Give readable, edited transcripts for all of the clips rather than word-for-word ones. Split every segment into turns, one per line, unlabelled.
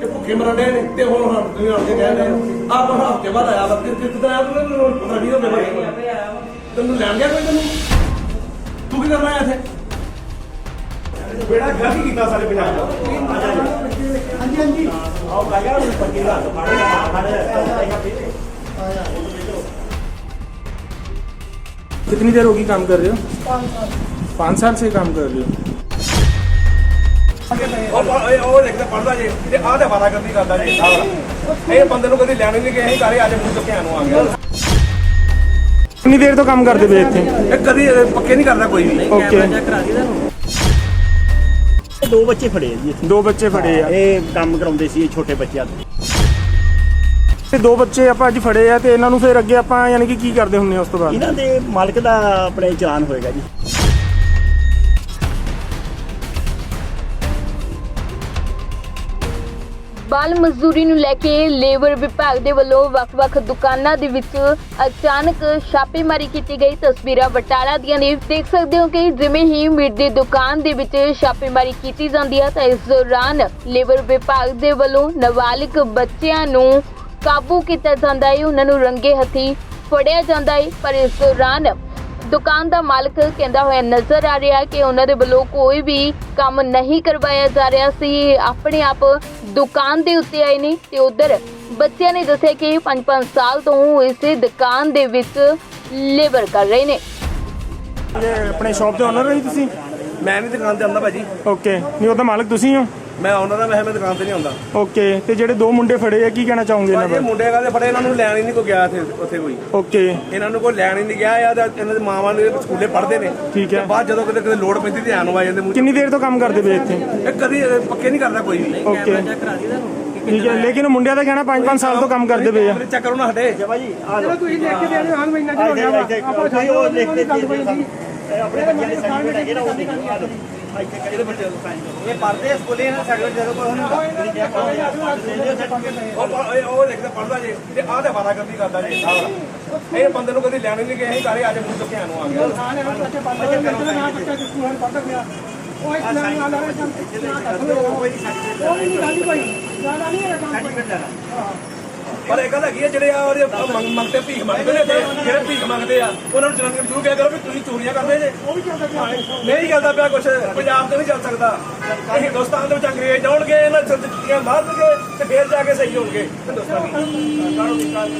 ਇਹ ਭੁੱਖੇ ਮਰਨ ਦੇ ਨੇ ਤੇ ਹੁਣ ਤੁਸੀਂ ਆਣ ਕੇ ਕਹਿ ਰਹੇ ਹੋ ਆਪ ਹਫ਼ਤੇ ਬਾਅਦ ਆਇਆ ਵਾ ਕਿੱਦਾਂ ਆਇਆ ਤੂੰ ਪਤਾ ਨਹੀਂ ਹੋਵੇ ਤੈਨੂੰ ਲੈਣ ਗਿਆ ਕੋਈ ਤੈਨੂੰ ਤੂੰ ਕੀ ਕਰਨਾ ਆਇਆ ਇੱਥੇ ਬੇੜਾ ਗਲਤੀ ਕੀਤਾ ਸਾਰੇ ਪੰਜਾਬ ਦਾ ਹਾਂਜੀ ਹਾਂਜੀ ਆਓ ਕਾਇਆ ਨੂੰ ਪੱਕੀ ਦਾ
कितनी देर होगी काम कर रहे हो? 5 साल से काम कर रहे हो?
ਉਹ ਲਿਖਦਾ ਪੜਦਾ ਜੇ ਤੇ ਆਹ ਤੇ ਵਾਰਾ ਕਰਦੀ ਕਰਦਾ ਜੇ ਇਹ ਬੰਦੇ ਨੂੰ ਕਦੀ ਲੈਣ ਨਹੀਂ ਗਏ ਅਸੀਂ ਘਰੇ ਅੱਜ ਮੂੰਹ ਚੁੱਕਿਆ ਨੂੰ ਆ ਗਿਆ
कितनी देर तो काम करते पे थे?
ਇਹ ਕਦੀ ਪੱਕੇ ਨਹੀਂ ਕਰਦਾ ਕੋਈ ਵੀ
ओके
ਦੋ ਬੱਚੇ ਫੜੇ ਆ ਜੀ ਇੱਥੇ।
2 ਬੱਚੇ ਫੜੇ ਆ
ਇਹ ਕੰਮ ਕਰਾਉਂਦੇ ਸੀ ਇਹ ਛੋਟੇ ਬੱਚਿਆਂ ਤੋਂ।
ਤੇ 2 ਬੱਚੇ ਆਪਾਂ ਅੱਜ ਫੜੇ ਆ ਤੇ ਇਹਨਾਂ ਨੂੰ ਫਿਰ ਅੱਗੇ ਆਪਾਂ ਯਾਨੀ ਕਿ ਕੀ ਕਰਦੇ ਹੁੰਨੇ ਆ ਉਸ ਤੋਂ ਬਾਅਦ?
ਇਹਨਾਂ ਦੇ ਮਾਲਕ ਦਾ ਆਪਣੇ ਚਲਾਨ ਹੋਏਗਾ ਜੀ।
ਬਾਲ ਮਜ਼ਦੂਰੀ ਨੂੰ ਲੈ ਕੇ ਲੇਬਰ ਵਿਭਾਗ ਦੇ ਵੱਲੋਂ ਵੱਖ-ਵੱਖ ਦੁਕਾਨਾਂ ਦੇ ਵਿੱਚ ਅਚਾਨਕ ਛਾਪੇਮਾਰੀ ਕੀਤੀ ਗਈ। ਤਸਵੀਰਾਂ ਬਟਾਲਾ ਦੀਆਂ ਨੇ, ਦੇਖ ਸਕਦੇ ਹੋ ਕਿ ਜਿਵੇਂ ਹੀ ਮੀਟ ਦੀ ਦੁਕਾਨ ਦੇ ਵਿੱਚ ਛਾਪੇਮਾਰੀ ਕੀਤੀ ਜਾਂਦੀ ਹੈ ਤਾਂ ਇਸ ਦੌਰਾਨ ਲੇਬਰ ਵਿਭਾਗ ਦੇ ਵੱਲੋਂ ਨਾਬਾਲਿਗ ਬੱਚਿਆਂ ਨੂੰ ਕਾਬੂ ਕੀਤਾ ਜਾਂਦਾ ਹੈ, ਉਹਨਾਂ ਨੂੰ ਰੰਗੇ ਹੱਥੀਂ ਫੜਿਆ ਜਾਂਦਾ ਹੈ। ਪਰ ਇਸ ਦੌਰਾਨ ਦੁਕਾਨ ਦਾ ਮਾਲਕ ਕਹਿੰਦਾ ਹੋਇਆ ਨਜ਼ਰ ਆ ਰਿਹਾ ਕਿ ਉਹਨਾਂ ਦੇ ਵੱਲੋਂ ਕੋਈ ਵੀ ਕੰਮ ਨਹੀਂ ਕਰਵਾਇਆ ਜਾ ਰਿਹਾ ਸੀ, ਆਪਣੇ ਆਪ ਦੁਕਾਨ ਦੇ ਉੱਤੇ ਆਏ ਨੇ। ਤੇ ਉਧਰ ਬੱਚਿਆਂ ਨੇ ਦੱਸਿਆ ਕਿ 5-5 ਸਾਲ ਤੋਂ ਇਸੇ ਦੁਕਾਨ ਦੇ ਵਿੱਚ ਲੇਬਰ ਕਰ ਰਹੇ ਨੇ।
ਇਹ ਆਪਣੇ ਸ਼ਾਪ ਦੇ ਓਨਰ ਹੋ ਜੀ ਤੁਸੀਂ?
ਮੈਂ ਨਹੀਂ ਦੁਕਾਨ ਤੇ ਆਉਂਦਾ ਭਾਜੀ
ਓਕੇ, ਨਹੀਂ ਉਹ ਤਾਂ ਮਾਲਕ ਤੁਸੀਂ ਹੋ?
ਮੈਂ ਆਉਂਦਾ ਤਾਂ ਮੈਂ ਦੁਕਾਨ ਤੇ ਨਹੀਂ ਆਉਂਦਾ
ਓਕੇ, ਤੇ ਜਿਹੜੇ 2 ਮੁੰਡੇ ਫੜੇ ਆ ਕੀ ਕਹਿਣਾ ਚਾਹੋਗੇ ਇਹਨਾਂ
ਇਹ
ਬਾਰੇ?
ਮੁੰਡੇ ਕਾਹਦੇ ਫੜੇ ਇਹਨਾਂ ਨੂੰ ਲੈਣ ਹੀ ਨਹੀਂ ਕੋਈ ਗਿਆ ਉੱਥੇ ਕੋਈ
ਓਕੇ
ਇਹਨਾਂ ਨੂੰ ਕੋਈ ਲੈਣ ਹੀ ਨਹੀਂ ਗਿਆ ਜਾਂ ਤਾਂ ਇਹਨਾਂ ਦੇ ਮਾਵਾਂ ਨੇ ਸਕੂਲੇ ਪੜ੍ਹਦੇ ਨੇ
ਠੀਕ ਹੈ।
ਤੇ ਬਾਅਦ ਜਦੋਂ ਕਿਤੇ ਲੋੜ ਪੈਂਦੀ ਤੇ ਆਣ ਆ ਜਾਂਦੇ ਮੂੰਹ
ਕਿੰਨੀ ਦੇਰ ਤੋਂ ਕੰਮ ਕਰਦੇ ਪਏ ਇੱਥੇ?
ਇਹ ਕਦੀ ਪੱਕੇ ਨਹੀਂ ਕਰਦਾ ਕੋਈ ਵੀ
ਓਕੇ ਠੀਕ ਹੈ, ਲੇਕਿਨ ਮੁੰਡਿਆਂ ਦਾ ਕਹਿਣਾ 5-5 ਸਾਲ ਤੋਂ ਕੰਮ ਕਰਦੇ ਪਏ ਆ।
ਚੈੱਕ ਕਰੋ ਨਾ ਹਟੇ
ਜਮਾ ਜੀ ਆ ਲਓ ਤੁਸੀਂ ਲਿਖ ਕੇ ਦੇ ਦਿਓ ਹਾਂ ਮਹੀਨਾ ਜਿਹੜਾ ਹੋ ਗਿਆ ਆਪਾਂ ਉਹ ਲਿਖ ਕੇ ਦੇ ਦਿਓ ਆਪਣੇ ਬੱਚਿਆਂ ਦੇ ਸਰਟੀਫਿਕੇਟ ਹੈਗੇ ਨਾ ਉਹ ਦੇ ਦਿਓ ਆ ਲਓ ਇੱਥੇ ਕਿਹੜੇ ਬੱਚੇ ਦਾ ਸਾਈਨ ਇਹ ਪੜਦੇ ਸਕੂਲੇ ਇਹਨਾਂ ਸਰਟੀਫਿਕੇਟ ਜਦੋਂ ਕੋਈ ਹੁੰਦਾ
ਉਹ ਲਿਖਦਾ ਪੜਦਾ ਜੇ ਤੇ ਆਹ ਤੇ ਵਾਰਾ ਕਰਦੀ ਕਰਦਾ ਜੇ ਇਹ ਬੰਦੇ ਨੂੰ ਕਦੀ ਲੈਣ ਨਹੀਂ ਗਏ ਅਸੀਂ ਘਰੇ ਅੱਜ ਮੂੰਹ ਚੁੱਕਿਆ ਨੂੰ ਆ ਗਿਆ
ਉਹ ਇੱਕ ਨਾਲ ਆ ਰਿਹਾ ਸਰਟੀਫਿਕੇਟ ਲੈਣਾ
ਪਰ ਇਹ ਗੱਲ ਹੈਗੀ ਆ ਜਿਹੜੇ ਆ ਮੰਗਤੇ ਭੀਖ ਮੰਗਦੇ ਨੇ ਜਿਹੜੇ ਭੀਖ ਮੰਗਦੇ ਆ ਉਹਨਾਂ ਨੂੰ ਜਨਾਨੀਆਂ ਨੂੰ ਜ਼ਰੂਰ ਕਿਹਾ ਕਰੋ ਵੀ ਤੁਸੀਂ ਚੋਰੀਆਂ ਕਰਦੇ ਜੇ ਉਹ ਵੀ ਚੱਲਦਾ ਪਿਆ ਨਹੀਂ ਚੱਲਦਾ ਪਿਆ ਕੁਛ ਪੰਜਾਬ ਤੇ ਨਹੀਂ ਚੱਲ ਸਕਦਾ ਇਹ ਹਿੰਦੁਸਤਾਨ ਦੇ ਵਿੱਚ ਅੰਗਰੇਜ਼ ਆਉਣਗੇ ਇਹਨਾਂ ਚੁੱਕੀਆਂ ਮਾਰਨਗੇ ਤੇ ਫੇਰ ਜਾ ਕੇ ਸਹੀ ਹੋਣਗੇ ਹਿੰਦੁਸਤਾਨੀ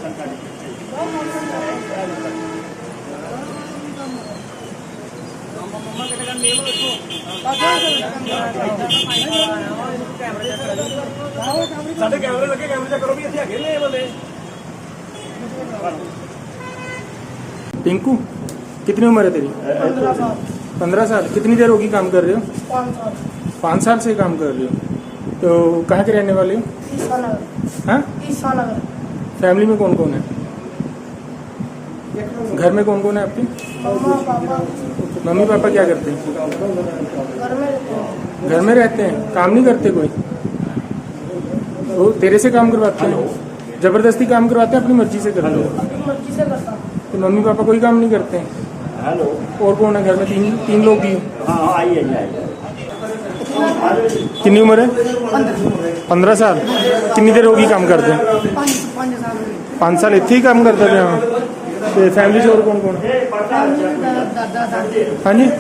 ਸਾਡੇ ਕੈਮਰੇ ਲੱਗੇ ਕੈਮਰੇ ਚੈੱਕ ਕਰੋ ਵੀ ਇੱਥੇ ਹੈਗੇ ਨੇ ਇਹ ਬੰਦੇ।
टिंकू कितनी उम्र है तेरी? 15 साल। कितनी देर होगी काम कर रहे हो? 5 साल से काम कर रहे हो। तो कहाँ के रहने वाले हो? हाँ, फैमिली में कौन कौन है? घर में कौन कौन है आपके? मम्मी पापा क्या करते हैं? घर में रहते हैं, काम नहीं करते कोई? वो तेरे से काम करवाते हैं? जबरदस्ती काम करवाते हैं? अपनी मर्जी से करते हैं? तो मम्मी पापा कोई काम नहीं करते हैं?
हेलो
और कौन है घर में? तीन लोग ही।
हाँ आइए आइए
कितनी उम्र है? 15 साल। कितनी देर होगी काम करते हैं? 5 साल इतने ही काम करते थे? हाँ, तो फैमिली से और कौन कौन? हाँ जी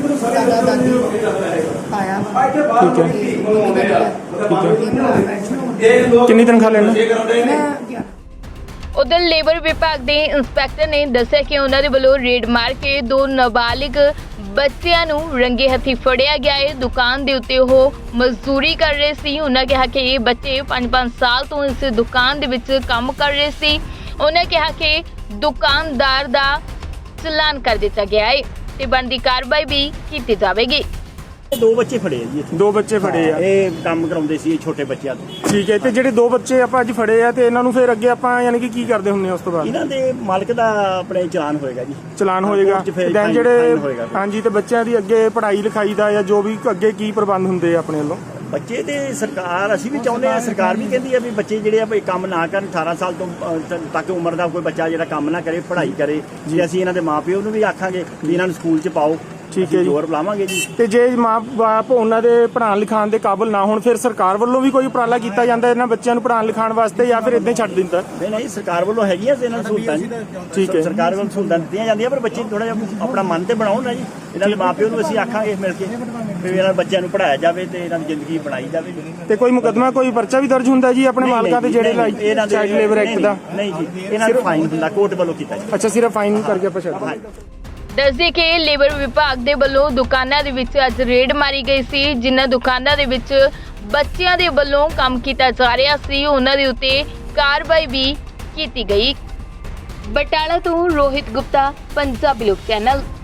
ठीक है ठीक है। कितनी तनख्वाह लेना?
ਉਧਰ ਲੇਬਰ ਵਿਭਾਗ ਦੇ ਇੰਸਪੈਕਟਰ ਨੇ ਦੱਸਿਆ ਕਿ ਉਹਨਾਂ ਦੇ ਵੱਲੋਂ ਰੇਡ ਮਾਰ ਕੇ 2 ਨਾਬਾਲਿਗ ਬੱਚਿਆਂ ਨੂੰ ਰੰਗੇ ਹੱਥੀਂ ਫੜਿਆ ਗਿਆ ਹੈ। ਦੁਕਾਨ ਦੇ ਉੱਤੇ ਉਹ ਮਜ਼ਦੂਰੀ ਕਰ ਰਹੇ ਸੀ। ਉਹਨਾਂ ਕਿਹਾ ਕਿ ਇਹ ਬੱਚੇ 5-5 ਸਾਲ ਤੋਂ ਇਸ ਦੁਕਾਨ ਦੇ ਵਿੱਚ ਕੰਮ ਕਰ ਰਹੇ ਸੀ। ਉਹਨਾਂ ਕਿਹਾ ਕਿ ਦੁਕਾਨਦਾਰ ਦਾ ਚਲਾਨ ਕਰ ਦਿੱਤਾ ਗਿਆ ਹੈ ਤੇ ਬਣਦੀ ਕਾਰਵਾਈ ਵੀ ਕੀਤੀ ਜਾਵੇਗੀ।
ਦੋ ਬੱਚੇ ਫੜੇ ਆ ਜੀ ਇੱਥੇ।
2 ਬੱਚੇ ਫੜੇ ਆ।
ਇਹ ਕੰਮ ਕਰਾਉਂਦੇ ਸੀ ਇਹ ਛੋਟੇ ਬੱਚਿਆਂ ਤੋਂ।
ਠੀਕ ਹੈ, ਤੇ ਜਿਹੜੇ 2 ਬੱਚੇ ਆਪਾਂ ਅੱਜ ਫੜੇ ਆ ਤੇ ਇਹਨਾਂ ਨੂੰ ਫਿਰ ਅੱਗੇ ਆਪਾਂ ਯਾਨੀ ਕਿ ਕੀ ਕਰਦੇ ਹੁੰਨੇ ਆ ਉਸ ਤੋਂ ਬਾਅਦ?
ਇਹਨਾਂ ਦੇ ਮਾਲਕ ਦਾ ਆਪਣੇ ਚਲਾਨ ਹੋਏਗਾ ਜੀ।
ਚਲਾਨ ਹੋਏਗਾ।
ਕੋਰਟ 'ਚ ਫਿਰ
ਦੈਨ ਜਿਹੜੇ
ਫਾਈਨ ਹੋਏਗਾ।
ਹਾਂਜੀ, ਤੇ ਬੱਚਿਆਂ ਦੀ ਅੱਗੇ ਪੜ੍ਹਾਈ ਲਿਖਾਈ ਦਾ ਜਾਂ ਜੋ ਵੀ ਅੱਗੇ ਕੀ ਪ੍ਰਬੰਧ ਹੁੰਦੇ ਆ ਆਪਣੇ ਵੱਲੋਂ?
ਬੱਚੇ ਤੇ ਸਰਕਾਰ ਅਸੀਂ ਵੀ ਚਾਹੁੰਦੇ ਆ, ਸਰਕਾਰ ਵੀ ਕਹਿੰਦੀ ਆ ਵੀ ਬੱਚੇ ਜਿਹੜੇ ਆ ਵੀ ਕੰਮ ਨਾ ਕਰਨ 18 ਸਾਲ ਤੋਂ ਤੱਕ ਉਮਰ ਦਾ ਕੋਈ ਬੱਚਾ ਜਿਹੜਾ ਕੰਮ ਨਾ ਕਰੇ, ਪੜ੍ਹਾਈ ਕਰੇ। ਜੇ ਅਸੀਂ ਇਹਨਾਂ ਦੇ ਮਾਪਿਓ ਨੂੰ ਵੀ ਆਖਾਂਗੇ ਵੀ ਇਹਨਾਂ ਨੂੰ ਸਕੂਲ 'ਚ ਪਾਓ
ਠੀਕ ਹੈ
ਅਸੀਂ
ਜੀ।
ਜ਼ੋਰ ਲਾਵਾਂਗੇ ਜੀ।
ਤੇ ਜੇ ਮਾਂ-ਬਾਪ ਉਹਨਾਂ ਦੇ ਪੜ੍ਹਾਉਣ ਲਿਖਾਉਣ ਦੇ ਕਾਬਿਲ ਨਾ ਹੋਣ ਫਿਰ ਸਰਕਾਰ ਵੱਲੋਂ ਵੀ ਕੋਈ ਉਪਰਾਲਾ ਕੀਤਾ ਜਾਂਦਾ ਇਹਨਾਂ ਬੱਚਿਆਂ ਨੂੰ ਪੜ੍ਹਾਉਣ ਲਿਖਾਉਣ ਵਾਸਤੇ ਜਾਂ ਫਿਰ ਇਦਾਂ ਹੀ ਛੱਡ ਦਿੰਦਾ?
ਨਹੀਂ ਸਰਕਾਰ ਵੱਲੋਂ ਹੈਗੀਆਂ ਤੇ ਇਹਨਾਂ ਨੂੰ ਸਹੂਲਤਾਂ ਜੀ।
ਠੀਕ ਹੈ।
ਸਰਕਾਰ ਵੱਲੋਂ ਸਹੂਲਤਾਂ ਦਿੱਤੀਆਂ ਜਾਂਦੀਆਂ ਪਰ ਬੱਚੇ ਥੋੜਾ ਜਿਹਾ ਆਪਣਾ ਮਨ ਤੇ ਬਣਾਉਣ ਨਾ ਜੀ। ਇਹਨਾਂ ਦੇ ਮਾਪਿਓ ਨੂੰ ਅਸੀਂ ਆਖਾਂਗੇ ਮਿਲ ਕੇ ਵੀ ਇਹਨਾਂ ਬੱਚਿਆਂ ਨੂੰ ਪੜ੍ਹਾਇਆ ਜਾਵੇ ਤੇ ਇਹਨਾਂ ਦੀ ਜ਼ਿੰਦਗੀ ਬਣਾਈ ਜਾਵੇ।
ਤੇ ਕੋਈ ਮੁਕੱਦਮਾ ਕੋਈ ਪਰਚਾ ਵੀ ਦਰਜ ਹੁੰਦਾ ਜੀ ਆਪਣੇ ਮਾਲਕਾਂ ਤੇ ਜਿਹੜੇ ਚਾਈਲਡ ਲੇਬਰ ਐਕਟ ਦਾ?
ਨਹੀਂ ਜੀ, ਇਹਨਾਂ ਨੂੰ ਫਾਈਨ ਹੁੰਦਾ ਕੋਰਟ ਵੱਲੋਂ ਕੀਤਾ ਜੀ।
ਅੱਛਾ, ਸਿਰਫ ਫਾਈਨ ਕਰਕੇ ਆਪਾਂ ਛੱਡ ਦਿੰਦੇ।
ਦੱਸਦੇ ਕਿ ਲੇਬਰ ਵਿਭਾਗ ਦੇ ਵੱਲੋਂ ਦੁਕਾਨਾਂ ਦੇ ਵਿੱਚ ਅੱਜ ਰੇਡ ਮਾਰੀ ਗਈ ਸੀ। ਜਿਨ੍ਹਾਂ ਦੁਕਾਨਾਂ ਦੇ ਵਿੱਚ ਬੱਚਿਆਂ ਦੇ ਵੱਲੋਂ ਕੰਮ ਕੀਤਾ ਜਾ ਰਿਹਾ ਸੀ ਉਹਨਾਂ ਦੇ ਉੱਤੇ ਕਾਰਵਾਈ ਵੀ ਕੀਤੀ ਗਈ। ਬਟਾਲਾ ਤੋਂ ਰੋਹਿਤ ਗੁਪਤਾ, ਪੰਜਾਬੀ ਲੋਕ ਚੈਨਲ।